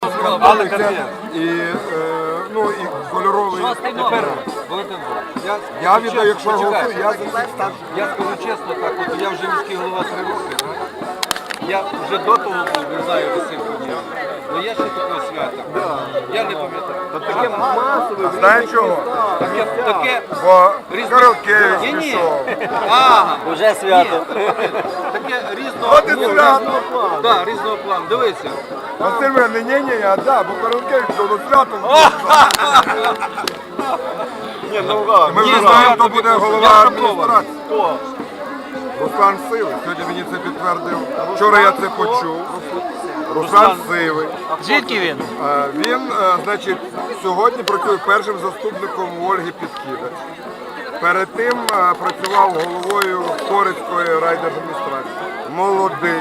Але і, ну, і кольоровий. Тепер, Я віддаю, якщо голосую, я за цих старших. я скажу чесно так, от я вже міський голова 3 роки, так? Я вже до того був, не знаю, висив подіяв. Але я ще такого свята. Я не пам'ятаю. Таке масове. Знаєш чого? Таке Бо різне- Королькевич Ні-ні. пішов. Ага. Уже свято. Таке різного От і свято. плану. Так, різного плану. Дивися. Василь мене, ні, а да, бо Королькевич пішов до свято. Ми вже знаємо, хто буде голова адміністрації. Руслан Сивий. Сьогодні мені це підтвердив. Вчора я це почув. Руслан Сивий. Звідки він? Він, значить, сьогодні працює першим заступником Ольги Підкидач. Перед тим працював головою Корицької райдержадміністрації. Молодий,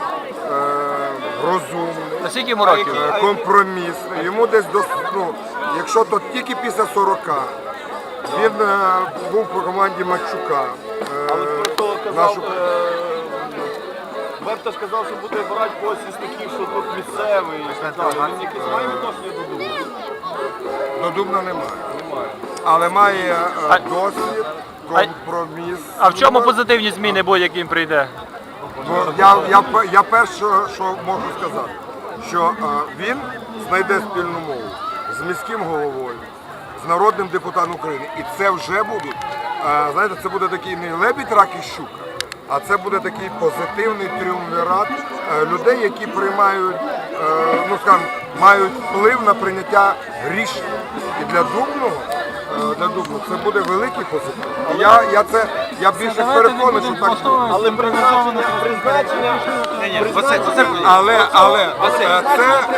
розумний, Скільки йому років? компромісний. Йому десь ну, якщо то тільки після 40. Він був по команді Матчука. Берта ж казав, що буде брати когось із таких, що тут місцевий. Він якийсь має відношення до Дубна? До Дубна немає. Але має досвід, компроміс. А в чому позитивні зміни будуть, як він прийде? Я перше, що можу сказати, що він знайде спільну мову з міським головою, з народним депутатом України. І це вже будуть, знаєте, це буде такий не лебідь, рак і щука, а це буде такий позитивний тріумвірат людей, які приймають, ну скажімо, мають вплив на прийняття рішень. І для Дубного це буде великий позитив. І я більше переконаний, що так буде. Але призначення